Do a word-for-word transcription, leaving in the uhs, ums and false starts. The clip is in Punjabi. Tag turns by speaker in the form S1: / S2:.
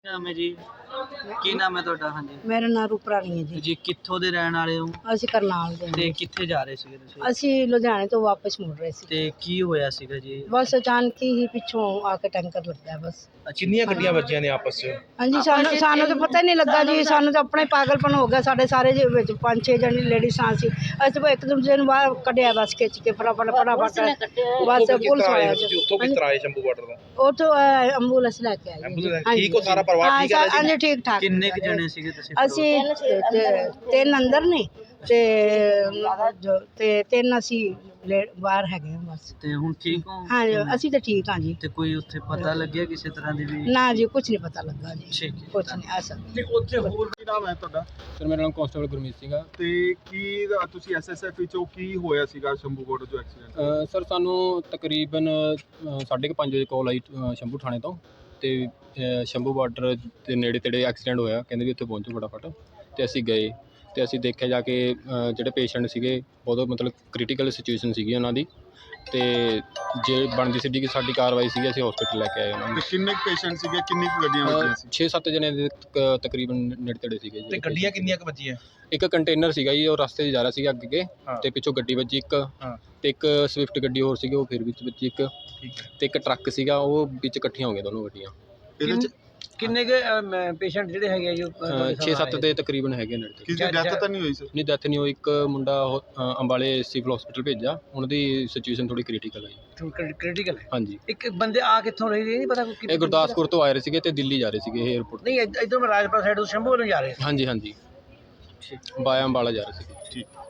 S1: ਨਾਮ ਹੈ ਜੀ? ਕੀ ਨਾਮ ਹੈ ਤੁਹਾਡਾ? ਹਾਂਜੀ,
S2: ਮੇਰਾ ਨਾਮ ਰੂਪਰਾਣੀ ਹੈ ਜੀ।
S1: ਜੀ ਕਿੱਥੋਂ ਦੇ ਰਹਿਣ ਵਾਲੇ ਹੋ
S2: ਅਸੀਂ ਕਰਨਾਲ ਦੇ
S1: ਤੇ
S2: ਹਾਂ।
S1: ਕਿੱਥੇ ਜਾ ਰਹੇ ਸੀਗੇ ਤੁਸੀਂ?
S2: ਅਸੀਂ ਲੁਧਿਆਣੇ ਤੋਂ ਵਾਪਸ ਮੁੜ ਰਹੇ ਸੀ।
S1: ਤੇ ਕੀ ਹੋਇਆ ਸੀਗਾ ਜੀ?
S2: ਬਸ ਅਚਾਨਕ ਹੀ ਪਿੱਛੋਂ ਆ ਕੇ ਟੈਂਕਰ ਲੱਗਾ ਬਸ।
S3: ਕਿੰਨੀਆਂ ਗੱਡੀਆਂ ਵੱਜੀਆਂ ਨੇ ਆਪਸ 'ਚ?
S2: ਹਾਂਜੀ, ਸਾਨੂੰ ਸਾਨੂੰ ਤਾਂ ਪਤਾ ਹੀ ਨਹੀਂ ਲੱਗਾ ਜੀ। ਸਾਨੂੰ ਤਾਂ ਆਪਣਾ ਹੀ ਪਾਗਲਪਨ ਹੋ ਗਿਆ। ਸਾਡੇ ਸਾਰੇ ਜੀ ਵਿੱਚ ਪੰਜ ਛੇ ਜਣੇ ਲੇਡੀਜ਼ ਸੀ। ਅਸੀਂ ਤਾਂ ਇੱਕ ਦੂਜੇ ਨੂੰ ਬਾਹਰ ਕੱਢਿਆ ਬਸ ਖਿੱਚ ਕੇ ਫਟਾਫਟ ਫਟਾਫਟ ਬਸ ਪੁਲਿਸ ਆਇਆ ਜੀ।
S3: ਉੱਥੋਂ ਕਿਸ ਤਰ੍ਹਾਂ ਆਏ ਸ਼ੰਭੂ ਬਾਰਡਰ ਦਾ?
S2: ਉੱਥੋਂ ਐਂਬੂਲੈਂਸ ਲੈ ਕੇ ਆਏ ਜੀ।
S3: ਠੀਕ ਹੋ ਸਾਰਾ ਪਰਿਵਾਰ? ਠੀਕ ਹੈ ਜੀ?
S2: ਹਾਂਜੀ ਠੀਕ ਠਾਕ।
S1: ਕਿੰਨੇ ਕੁ ਜਣੇ ਸੀਗੇ ਤੁਸੀਂ?
S2: ਅਸੀਂ ਤੇ- ਤਿੰਨ ਅੰਦਰ ਨੇ ਤੇ ਜੋ ਤੇ ਤਿੰਨ ਅਸੀਂ ਲੇ- ਬਾਹਰ ਹੈਗੇ ਹਾਂ ਬਸ।
S1: ਤੇ ਹੁਣ ਠੀਕ ਹੋ?
S2: ਹਾਂਜੀ ਅਸੀਂ ਤਾਂ ਠੀਕ ਹਾਂ ਜੀ।
S1: ਤੇ ਕੋਈ ਉੱਥੇ ਪਤਾ ਲੱਗਿਆ ਕਿਸੇ ਤਰ੍ਹਾਂ ਦੀ ਵੀ?
S2: ਨਾ ਜੀ ਕੁਝ ਨਹੀਂ ਪਤਾ ਲੱਗਾ ਜੀ।
S1: ਠੀਕ ਹੈ।
S2: ਕੁਝ ਨਹੀਂ ਐਸਾ।
S4: ਤੇ ਉੱਥੇ ਹੋਰ ਕੀ ਨਾਮ ਹੈ ਤੁਹਾਡਾ?
S5: ਸਰ ਮੇਰਾ ਨਾਮ ਕਾਂਸਟੇਬਲ ਗੁਰਮੀਤ ਸਿੰਘ ਆ।
S4: ਤੇ ਕੀ ਤੁਸੀਂ ਐਸਐਸਐਫ ਵਿੱਚੋਂ ਕੀ ਹੋਇਆ ਸੀਗਾ ਸ਼ੰਭੂ ਬਾਰਡਰ ਤੋਂ ਐਕਸੀਡੈਂਟ?
S5: ਅ, ਸਰ ਸਾਨੂੰ ਤਕਰੀਬਨ ਅ, ਸਾਢੇ ਕੁ ਪੰਜ ਵਜੇ ਕਾਲ ਆਈ ਅ, ਸ਼ੰਭੂ ਥਾਣੇ ਤੋਂ। ਤੇ ਅ, ਸ਼ੰਭੂ ਬਾਰਡਰ ਦੇ ਨੇੜੇ ਤੇੜੇ ਐਕਸੀਡੈਂਟ ਹੋਇਆ, ਕਹਿੰਦੇ ਵੀ ਉੱਥੇ ਪਹੁੰਚੋ ਫਟਾਫਟ। ਤੇ ਅਸੀਂ ਗਏ ਤੇ ਅਸੀਂ ਦੇਖਿਆ ਜਾ ਕੇ ਅ, ਜਿਹੜੇ ਪੇਸ਼ੈਂਟ ਸੀਗੇ ਬਹੁਤ ਮਤਲਬ ਕ੍ਰਿਟੀਕਲ ਸਿਚੁਏਸ਼ਨ ਸੀਗੀ ਉਹਨਾਂ ਦੀ। ਤੇ ਜੇ ਬਣਦੀ ਸੀ ਕਿ ਸਾਡੀ ਕਾਰਵਾਈ ਸੀਗੀ, ਅਸੀਂ ਹਸਪੀਟਲ ਲੈ ਕੇ ਆਏ ਉਹਨਾਂ ਨੂੰ।
S4: ਤੇ ਕਿੰਨੇ ਪੇਸ਼ੈਂਟ ਸੀਗੇ, ਕਿੰਨੀ ਕੁ ਗੱਡੀਆਂ ਵੱਜੀਆਂ ਸੀ?
S5: ਛੇ ਸੱਤ ਜਣੇ ਦੇ ਤਕ- ਤਕਰੀਬਨ ਨੇੜੇ ਤੇੜੇ ਸੀਗੇ ਜੀ।
S3: ਤੇ ਗੱਡੀਆਂ ਕਿੰਨੀਆਂ ਕੁ ਵੱਜੀਆਂ?
S5: ਇੱਕ ਕੰਟੇਨਰ ਸੀਗਾ ਜੀ, ਉਹ ਰਸਤੇ 'ਚ ਜਾ ਰਿਹਾ ਸੀਗਾ ਅੱਗੇ
S3: ਹਾਂ।
S5: ਤੇ ਪਿੱਛੋਂ ਗੱਡੀ ਵੱਜੀ ਇੱਕ।
S3: ਹਾਂ।
S5: ਤੇ ਇੱਕ ਸਵਿਫਟ ਗੱਡੀ ਹੋਰ ਸੀਗੀ, ਉਹ ਫਿਰ ਵਿੱਚ ਵੱਜੀ ਇੱਕ।
S3: ਠੀਕ ਹੈ।
S5: ਤੇ ਇੱਕ ਟਰੱਕ ਸੀਗਾ, ਉਹ ਵਿੱਚ ਇਕੱਠੀਆਂ ਹੋ ਗਈਆਂ ਦੋਨੋਂ ਗੱਡੀਆਂ।
S4: ਇਹਦੇ ਚ
S1: ਕਿੰਨੇ ਕੁ ਪੇਸ਼ੈਂਟ ਜਿਹੜੇ ਹੈਗੇ ਆ ਜੀ
S5: ਛੇ ਸੱਤ ਦੇ ਤਕਰੀਬਨ ਹੈਗੇ ਨੇੜੇ ਤੇ।
S4: ਕਿਸੇ ਦੀ ਡੈਥ ਤਾਂ ਨਹੀਂ ਹੋਈ ਸਰ?
S5: ਨਹੀਂ, ਡੈਥ ਨਹੀਂ ਹੋਈ। ਇੱਕ ਮੁੰਡਾ ਉਹ, ਅ, ਅੰਬਾਲੇ ਸਿਵਲ ਹਸਪੀਟਲ ਭੇਜਿਆ, ਉਹਨਾਂ ਦੀ ਸਿਚੁਏਸ਼ਨ ਥੋੜੀ ਕ੍ਰਿਟੀਕਲ ਹੈ ਜੀ।
S1: ਕ੍ਰਿਟੀਕਲ ਹੈ?
S5: ਹਾਂਜੀ।
S1: ਇੱਕ ਬੰਦੇ ਆ ਕਿੱਥੋਂ ਰਹੇ ਨਹੀਂ ਪਤਾ?
S5: ਇਹ ਗੁਰਦਾਸਪੁਰ ਤੋਂ ਆਏ ਰਹੇ ਸੀਗੇ ਤੇ ਦਿੱਲੀ ਜਾ ਰਹੇ ਸੀਗੇ ਇਹ ਏਅਰਪੋਰਟ।
S1: ਨਹੀਂ, ਇਧਰੋਂ ਰਾਜਪਾਲ ਸਾਈਡ ਤੋਂ ਸ਼ੰਭੂ ਵੱਲੋਂ ਜਾ ਰਹੇ ਸੀ।
S5: ਹਾਂਜੀ ਹਾਂਜੀ, ਬਾਇਆ ਅੰਬਾਲਾ ਜਾ ਰਹੇ ਸੀਗੇ।
S4: ਠੀਕ।